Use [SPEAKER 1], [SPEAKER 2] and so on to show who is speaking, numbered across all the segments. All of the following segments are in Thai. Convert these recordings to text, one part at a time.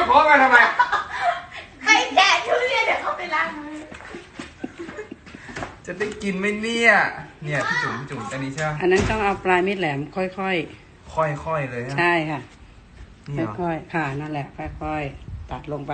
[SPEAKER 1] เคาะมาทำไม
[SPEAKER 2] ใครแกะทุเรียนเดี๋ยวเขาไปล้างมือ
[SPEAKER 1] จะได้กินไหมเนี่ยพี่จุ๋มอันนี้ใช่ไหม
[SPEAKER 3] อันนั้นต้องเอาปลายมีดแหลมค่อย
[SPEAKER 1] ค่อยเลย
[SPEAKER 3] ใช่ค่ะ
[SPEAKER 1] ค่อย
[SPEAKER 3] ค่ะนั่นแหละค่อยๆตัดลงไป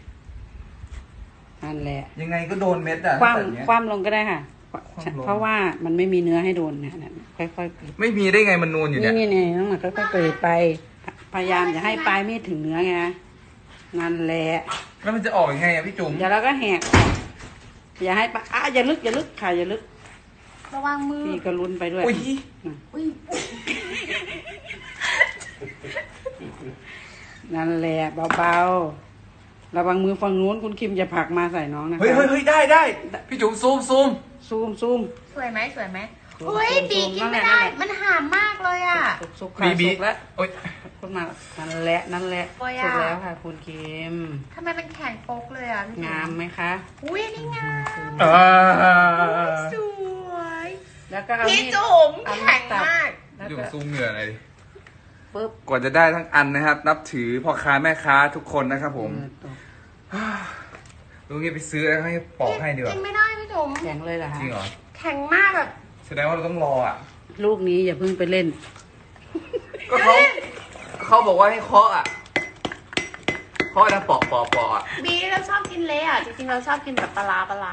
[SPEAKER 3] นั่นแหละ
[SPEAKER 1] ยังไงก็โดนเม็ดอ่ะ
[SPEAKER 3] คว่ำลงก็ได้ค่ะเพราะว่ามันไม่มีเนื้อให้โดนเนี่ยค่อย
[SPEAKER 1] ๆไม่มีได้ไงมันนูนอยู่เนี่ย
[SPEAKER 3] นี่ต้องมาค่อยๆเปิดไปพยายามอย่าให้ปลายมีดถึงเนื้อไงนั่นแหละ
[SPEAKER 1] แล้วมันจะออกยังไงอ่ะพี่จุ๋ม
[SPEAKER 3] เดี๋ยวเราก็แหกอย่าให้ปลาอย่าลึกค่ะอย่าลึก
[SPEAKER 2] ระวังมือ
[SPEAKER 3] พี่ก็ลุ้นไปด้วย
[SPEAKER 2] อุ้ย
[SPEAKER 3] นั่นแหละเบาๆระวังมือฝั่งนู้นคุณคิมจะผลักมาใส่น้องนะคะ
[SPEAKER 1] เฮ้ยได้พี่จุ๋มซูม
[SPEAKER 2] สวยไหมเฮ้ยบีกินไม่ได้มันหามมากเลยอ่ะ
[SPEAKER 3] สุกแล้วคุณมานั่นแหละสุกแล้วค่ะคุณคิม
[SPEAKER 2] ทำไมมันแข็งโป๊กเลยอ่ะ
[SPEAKER 3] งามไหมคะ
[SPEAKER 2] อุ้ยนี่งามสวย
[SPEAKER 3] แล้วก็เอา
[SPEAKER 2] พี่จุ๋มแข็งมาก
[SPEAKER 1] จุ๋มซูมเหงื่ออะไรปึ๊บกว่าจะได้ทั้งอันนะครับนับถือพ่อค้าแม่ค้าทุกคนนะครับผมลุงนี้ไปซื้อแล้วให้ปอกให้ดีกว่า
[SPEAKER 2] กินไม่ได้พี่จุ๋ม
[SPEAKER 3] แข็งเลยเหรอ
[SPEAKER 1] จริงเหรอ
[SPEAKER 2] แข็งมากแบบ
[SPEAKER 1] แสดงว่าเราต้องรออ่ะ
[SPEAKER 3] ลูกนี้อย่าเพิ่งไปเล่น
[SPEAKER 1] ก็เขาบอกว่าให้เคาะอ่ะเคาะนะปอกอ่ะ
[SPEAKER 2] บีเราชอบกินเละอ่ะจริงๆเราชอบกินแบบปลา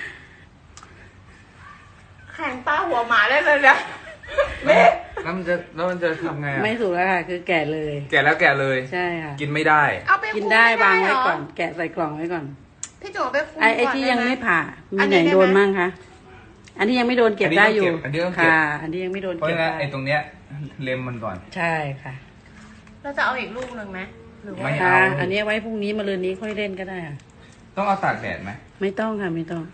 [SPEAKER 2] แข็งปลาหัวหมาได้เลยนะ
[SPEAKER 1] แล้วมันจะทำไงอ่ะ
[SPEAKER 3] ไม่ถูกแล้วค่ะคือแกะเลย
[SPEAKER 1] แกเลย
[SPEAKER 3] ใช่ค่ะ
[SPEAKER 1] กินไม่ได้
[SPEAKER 3] กินได้วางไว้ก่อนแกะใส่กล่องไว้ก่อน
[SPEAKER 2] พี่จุ๋มไปคุม
[SPEAKER 3] ไอ้ที่ยังไม่ผ่ามีไหนโดนมั่งคะอันที่ยังไม่โดนเก็บได้อยู่ค่ะอันที่ยังไม่โดนเก็บได้
[SPEAKER 1] ไอ้ตรงเนี้ยเล็มมันก่อน
[SPEAKER 3] ใช่ค่ะ
[SPEAKER 2] เราจะเอาอีกลูกหนึ่งไหมหรือว่า
[SPEAKER 1] ไม่เอา
[SPEAKER 3] อันนี้ไว้พรุ่งนี้มะรืนนี้ค่อยเล่นก็ได้ค่ะ
[SPEAKER 1] ต้องเอาตากแดดไหม
[SPEAKER 3] ไม่ต้องค่ะไม่ต้อง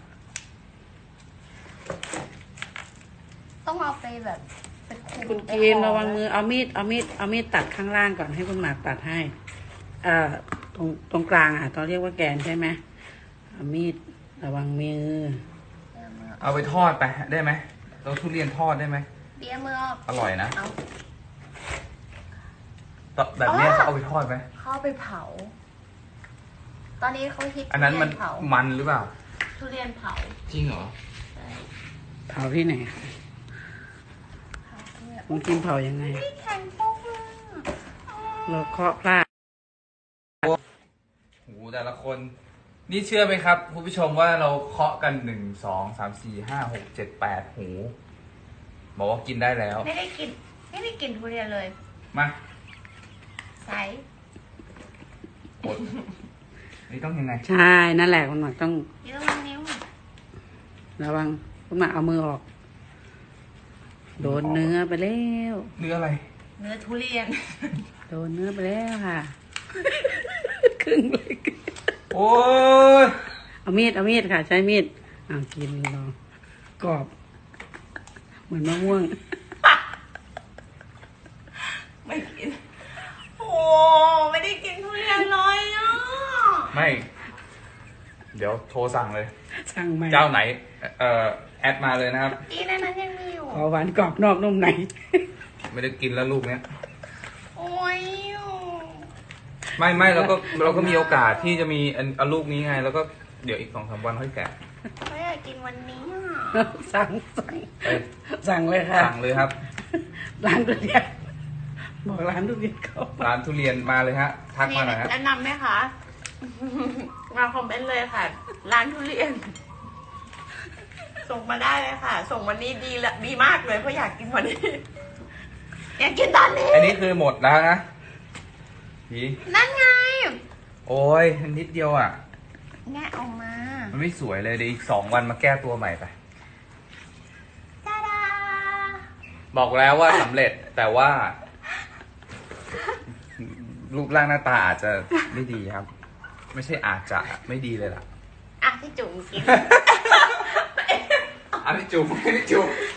[SPEAKER 2] เอาไปแบบ
[SPEAKER 3] คุณกินระวังมือเอามีดตัดข้างล่างก่อนให้คุณหมากตัดให้ตรงกลางอ่ะเขาเรียกว่าแกนใช่ไหมเอามีดระวังมือ
[SPEAKER 1] เอาไปทอดไปได้ไหมเราทุเรียนทอดได้ไหม
[SPEAKER 2] เบี้ยมือ
[SPEAKER 1] อร่อยนะแบบนี้เขาเอาไปทอดไหม
[SPEAKER 2] เขาไปเผาตอนนี้เขาคิด
[SPEAKER 1] อันนั้นมันหรือเปล่า
[SPEAKER 2] ทุเรียนเผา
[SPEAKER 1] จริงเหรอ
[SPEAKER 3] เผาที่ไหนคุณกินเผายังไง
[SPEAKER 2] แข็งโป๊กเลย
[SPEAKER 3] เราเคาะพลาด
[SPEAKER 1] โอ้แต่ละคนนี่เชื่อไหมครับคุณผู้ชมว่าเราเคาะกัน1 2 3 4 5 6 7 8หูบอกว่ากินได้แล้ว
[SPEAKER 2] ไม่ได้กินทุเรียนเลย
[SPEAKER 1] มา
[SPEAKER 2] ใส่
[SPEAKER 1] กดนี่ต้องยังไง
[SPEAKER 3] ใช่นั่นแหละคุณหมอต้อง
[SPEAKER 2] ระวังนิ้ว
[SPEAKER 3] ระวังคุณหมอเอามือออกโดนเนื้อไปแล้ว
[SPEAKER 1] เนื้ออะไร
[SPEAKER 2] เนื้อทุเรียน
[SPEAKER 3] โดนเนื้อไปแล้วค่ะครึ่งเลย
[SPEAKER 1] โอ้ย
[SPEAKER 3] เอามีดค่ะใช้มีดกินลองกรอบเหมือนมะม่วง
[SPEAKER 2] ไม่กินโอ้ไม่ได้กินทุเรียนเลยอ่ะ
[SPEAKER 1] ไม่เดี๋ยวโทรสั่งเลย
[SPEAKER 3] สั่งไหม
[SPEAKER 1] เจ้าไหนแอดมาเลยนะครับ
[SPEAKER 2] อีนั้นยังมีอยู่
[SPEAKER 3] ขอหวานกรอบนอกนุ่มใน
[SPEAKER 1] ไม่ได้กินแล้วลูกเนี้ย
[SPEAKER 2] โอ้ย
[SPEAKER 1] ไม่เราก็มีโอกาสที่จะมีอันลูกนี้ไงแล้วก็เดี๋ยวอีก2-3 วันค่อยแกะ
[SPEAKER 2] ไม่อยากกินวันนี้
[SPEAKER 3] สั่งเลยค่ะ
[SPEAKER 1] สั่งเลยครับ
[SPEAKER 3] ร้านทุเรียนบอกร้านทุเรียนเขา
[SPEAKER 1] ร้านทุเรียนมาเลยฮะทักมาหน่อยฮะ
[SPEAKER 2] แนะนำไหมคะมาคอมเมนต์เลยค่ะร้านทุเรียนส่งมาได้เลยค่ะส่งวันนี้ดีมากเลยเพราะอยากกินวันนี้อยากกินตอนนี้
[SPEAKER 1] อันนี้คือหมดแล้วนะ
[SPEAKER 2] นั่นไง
[SPEAKER 1] โอ้ยนิดเดียวอ่ะ
[SPEAKER 2] แงะออกมา
[SPEAKER 1] มันไม่สวยเลยเดี๋ยวอีก2 วันมาแก้ตัวใหม่ไป
[SPEAKER 2] ตาดา
[SPEAKER 1] บอกแล้วว่าสำเร็จแต่ว่ารูปร่างหน้าตาอาจจะไม่ดีครับไม่ใช่อาจจะไม่ดีเลยล่ะ
[SPEAKER 2] พี่จุ๋มกิน
[SPEAKER 1] พี่จุ๋ม